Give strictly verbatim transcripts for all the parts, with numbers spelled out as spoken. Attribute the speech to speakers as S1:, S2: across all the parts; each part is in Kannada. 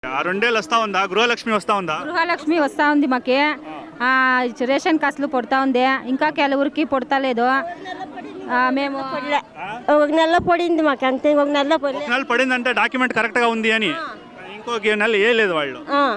S1: ఆ రెండేళ్ళు వస్తా ఉందా గృహలక్ష్మి వస్తా ఉందా?
S2: గృహలక్ష్మి వస్తూ ఉంది మాకి. రేషన్ కాసులు పడతా ఉంది, ఇంకా ಕೆಲವరికి పడతలేదు. మేము
S3: ఒక నెల పడింది మాకు, అంతే. ఒక నెల
S1: ఒక నెల పడిందంటే డాక్యుమెంట్ కరెక్ట్గా ఉంది అని. ఇంకొక నెల ఏ లేదు వాళ్ళు.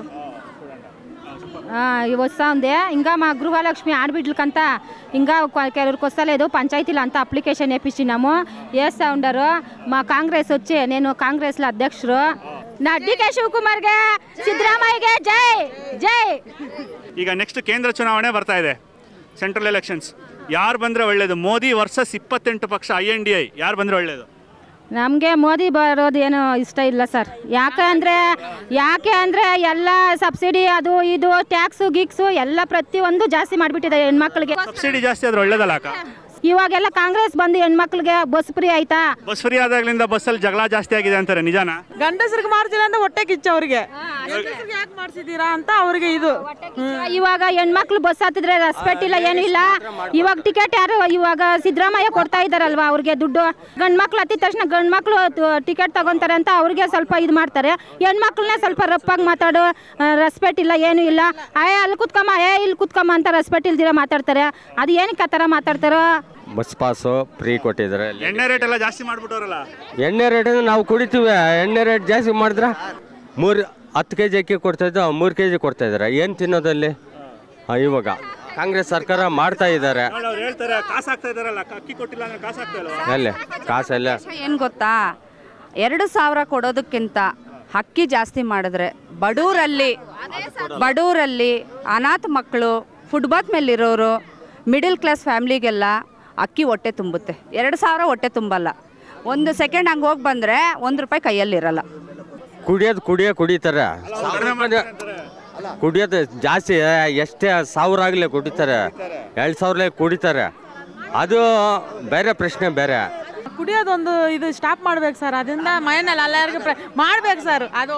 S2: వస్తూ ఉంది. ఇంకా మా గృహలక్ష్మి ఆడబిడ్డలకంతా ఇంకా ಕೆಲವరికి వస్తలేదు. పంచాయతీలు అంతా అప్లికేషన్ వేపించినాము, వేస్తూ ఉండరు. మా కాంగ్రెస్ వచ్చి, నేను కాంగ్రెస్లో అధ్యక్షుడు. నా ಡಿ.ಕೆ. ಶಿವಕುಮಾರ್ಗೆ, ಸಿದ್ದರಾಮಯ್ಯಗೆ ಜೈ ಜೈ.
S1: ಈಗ ನೆಕ್ಸ್ಟ್ ಕೇಂದ್ರ ಚುನಾವಣೆ ಬರ್ತಾ ಇದೆ, ಸೆಂಟ್ರಲ್ ಎಲೆಕ್ಷನ್ಸ್. ಯಾರು ಬಂದರೆ ಒಳ್ಳೇದು? ಮೋದಿ ವರ್ಸಸ್ ಇಪ್ಪತ್ತೆಂಟು ಪಕ್ಷ ಐ ಎನ್ ಡಿ ಐ, ಯಾರು ಬಂದರೆ ಒಳ್ಳೇದು?
S2: ನಮಗೆ ಮೋದಿ ಬರೋದು ಏನು ಇಷ್ಟ ಇಲ್ಲ ಸರ್. ಯಾಕೆ ಅಂದರೆ ಯಾಕೆ ಅಂದರೆ ಎಲ್ಲ ಸಬ್ಸಿಡಿ, ಅದು ಇದು ಟ್ಯಾಕ್ಸು ಗೀಕ್ಸು ಎಲ್ಲ ಪ್ರತಿಯೊಂದು ಜಾಸ್ತಿ ಮಾಡಿಬಿಟ್ಟಿದೆ ಹೆಣ್ಮಕ್ಳಿಗೆ.
S1: ಸಬ್ಸಿಡಿ ಜಾಸ್ತಿ ಆದ್ರೆ ಒಳ್ಳೇದಲ್ಲ ಅಕ್ಕ?
S2: ಇವಾಗೆಲ್ಲ ಕಾಂಗ್ರೆಸ್ ಬಂದು ಹೆಣ್ಮಕ್ಳಿಗೆ ಬಸ್ ಫ್ರೀ ಆಯ್ತಾ?
S1: ಬಸ್ ಫ್ರೀ ಆದಾಗ್ಲಿಂದ ಬಸ್ಸಲ್ಲಿ ಜಗಳ ಜಾಸ್ತಿ ಆಗಿದೆ ಅಂತಾರೆ, ನಿಜಾನ?
S4: ಗಂಡಸರಿಗೆ ಮಾಡ್ತಿಲ್ಲ ಅಂತ ಹೊಟ್ಟೆ ಕಿಚ್ಚ ಅವ್ರಿಗೆ, ಯಾಕೆ ಮಾಡ್ಸಿದೀರಾ ಅಂತ ಅವ್ರಿಗೆ ಇದು.
S2: ಇವಾಗ ಹೆಣ್ಮಕ್ಳು ಬಸ್ ಹತ್ತಿದ್ರೆ ರೆಸ್ಪೆಕ್ಟ್ ಇಲ್ಲ, ಏನು ಇಲ್ಲ. ಇವಾಗ ಟಿಕೆಟ್ ಯಾರು ಇವಾಗ ಸಿದ್ದರಾಮಯ್ಯ ಕೊಡ್ತಾ ಇದಾರಲ್ವಾ ಅವ್ರಿಗೆ ದುಡ್ಡು. ಗಂಡ್ ಮಕ್ಳು ಹತ್ತಿದ ತಕ್ಷಣ ಗಂಡ್ ಮಕ್ಳು ಟಿಕೆಟ್ ತಗೊಂತಾರೆ ಅಂತ ಅವ್ರಿಗೆ ಸ್ವಲ್ಪ ಇದು ಮಾಡ್ತಾರೆ. ಹೆಣ್ಮಕ್ಳನ್ನೇ ಸ್ವಲ್ಪ ರಪ್ಪಾಗಿ ಮಾತಾಡು, ರೆಸ್ಪೆಕ್ಟ್ ಇಲ್ಲ, ಏನು ಇಲ್ಲ. ಅಯ್ಯ ಅಲ್ಲಿ ಕುತ್ಕಮ್ಮ, ಏ ಇಲ್ಲಿ ಕುತ್ಕಮ್ಮ ಅಂತ ರೆಸ್ಪೆಕ್ಟ್ ಇಲ್ದಿರ ಮಾತಾಡ್ತಾರೆ. ಅದು ಏನಕ್ಕೆ ಆ ಥರ ಮಾತಾಡ್ತಾರೋ?
S5: ಬಸ್ ಪಾಸು ಫ್ರೀ ಕೊಟ್ಟಿದ್ದಾರೆ.
S1: ಎಣ್ಣೆ ರೇಟ್ ಎಲ್ಲ ಜಾಸ್ತಿ ಮಾಡ್ಬಿಟ್ಟವ್ರಲ್ಲ.
S5: ಎಣ್ಣೆ ರೇಟ್ ನಾವು ಕುಡಿತೀವಿ, ಎಣ್ಣೆ ರೇಟ್ ಜಾಸ್ತಿ ಮಾಡಿದ್ರೆ ಮೂರು ಹತ್ತು ಕೆ ಜಿ ಅಕ್ಕಿ ಕೊಡ್ತಾಯಿದ್ದು ಮೂರು ಕೆ ಜಿ ಕೊಡ್ತಾ ಇದ್ದಾರೆ. ಏನು ತಿನ್ನೋದಲ್ಲಿ? ಇವಾಗ ಕಾಂಗ್ರೆಸ್ ಸರ್ಕಾರ ಮಾಡ್ತಾ ಇದ್ದಾರೆ.
S1: ಅವ್ರು ಹೇಳ್ತಾರೆ ಕಾಸು ಹಾಕ್ತಾ ಇದಾರಲ್ಲ, ಅಕ್ಕಿ ಕೊಟ್ಟಿಲ್ಲ ಅಂದ್ರೆ ಕಾಸು ಹಾಕ್ತಾ ಇಲ್ಲ.
S5: ಅಲ್ಲೇ ಕಾಸೆಲ್ಲ
S6: ಏನು ಗೊತ್ತಾ, ಎರಡು ಸಾವಿರ ಕೊಡೋದಕ್ಕಿಂತ ಅಕ್ಕಿ ಜಾಸ್ತಿ ಮಾಡಿದ್ರೆ ಬಡೂರಲ್ಲಿ ಬಡೂರಲ್ಲಿ ಅನಾಥ ಮಕ್ಕಳು, ಫುಟ್ಬಾತ್ ಮೇಲಿರೋರು, ಮಿಡಿಲ್ ಕ್ಲಾಸ್ ಫ್ಯಾಮ್ಲಿಗೆಲ್ಲ ಅಕ್ಕಿ ಹೊಟ್ಟೆ ತುಂಬುತ್ತೆ. ಎರಡು ಸಾವಿರ ಹೊಟ್ಟೆ ತುಂಬಲ್ಲ. ಒಂದು ಸೆಕೆಂಡ್ ಹಂಗೆ ಹೋಗಿ ಬಂದರೆ ಒಂದು ರೂಪಾಯಿ ಕೈಯಲ್ಲಿರಲ್ಲ.
S5: ಕುಡಿಯೋದು ಕುಡಿಯೋ ಕುಡಿತಾರೆ, ಕುಡಿಯೋದು ಜಾಸ್ತಿ. ಎಷ್ಟೇ ಸಾವಿರ ಆಗಲಿ ಕುಡಿತಾರೆ, ಎರಡು ಸಾವಿರ ಕುಡಿತಾರೆ. ಅದು ಬೇರೆ ಪ್ರಶ್ನೆ ಬೇರೆ.
S4: ಕುಡಿಯೋದೊಂದು ಇದು ಸ್ಟಾಪ್ ಮಾಡ್ಬೇಕು ಸರ್. ಅದರಿಂದ ಮನೆಯಲ್ಲಿ ಎಲ್ಲರಿಗೂ ಮಾಡ್ಬೇಕು ಸರ್. ಅದು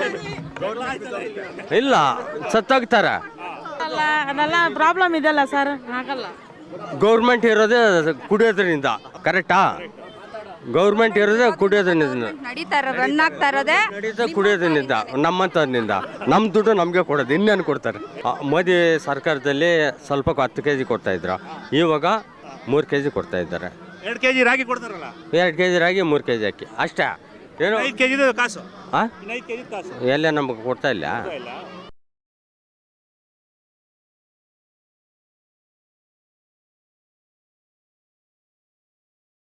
S5: ಇಲ್ಲ, ಸತ್ತೋಗ್ತಾರೆ.
S4: ಅಲ್ಲ, ಅದೆಲ್ಲ ಪ್ರಾಬ್ಲಮ್ ಇದೆಲ್ಲ ಸರ್, ಆಗಲ್ಲ.
S5: ಗೌರ್ಮೆಂಟ್ ಇರೋದೇ ಕುಡಿಯೋದ್ರಿಂದ, ಕರೆಕ್ಟಾ? ಗೌರ್ಮೆಂಟ್ ಇರೋದೇ ಕುಡಿಯೋದ್ರಿಂದ
S6: ನಡೀತಾ ಇರೋ ರನ್ ಆಗ್ತಾ ಇರೋದೇ
S5: ನಡೀತಾ ಕುಡಿಯೋದ್ರಿಂದ, ನಮ್ಮಂಥದ್ರಿಂದ. ನಮ್ಮ ದುಡ್ಡು ನಮಗೆ ಕೊಡೋದು, ಇನ್ನೇನು ಕೊಡ್ತಾರೆ? ಮೋದಿ ಸರ್ಕಾರದಲ್ಲಿ ಸ್ವಲ್ಪ ಹತ್ತು ಕೆ ಜಿ ಕೊಡ್ತಾಯಿದ್ರು, ಇವಾಗ ಮೂರು ಕೆ ಜಿ ಕೊಡ್ತಾ ಇದ್ದಾರೆ.
S1: ಎರಡು ಕೆ ಜಿ ರಾಗಿ ಕೊಡ್ತಾರಲ್ಲ,
S5: ಎರಡು ಕೆ ಜಿ ರಾಗಿ, ಮೂರು ಕೆ ಜಿ ಅಕ್ಕಿ ಅಷ್ಟೇ. ಏನೋ
S1: ಐದು ಕೆ ಜಿ ಕಾಸು.
S5: ಹಾಂ,
S1: ಐದು ಕೆ ಜಿ ಕಾಸು
S5: ಎಲ್ಲ ನಮಗೆ ಕೊಡ್ತಾ ಇಲ್ಲ.
S1: ಇಲ್ಲ.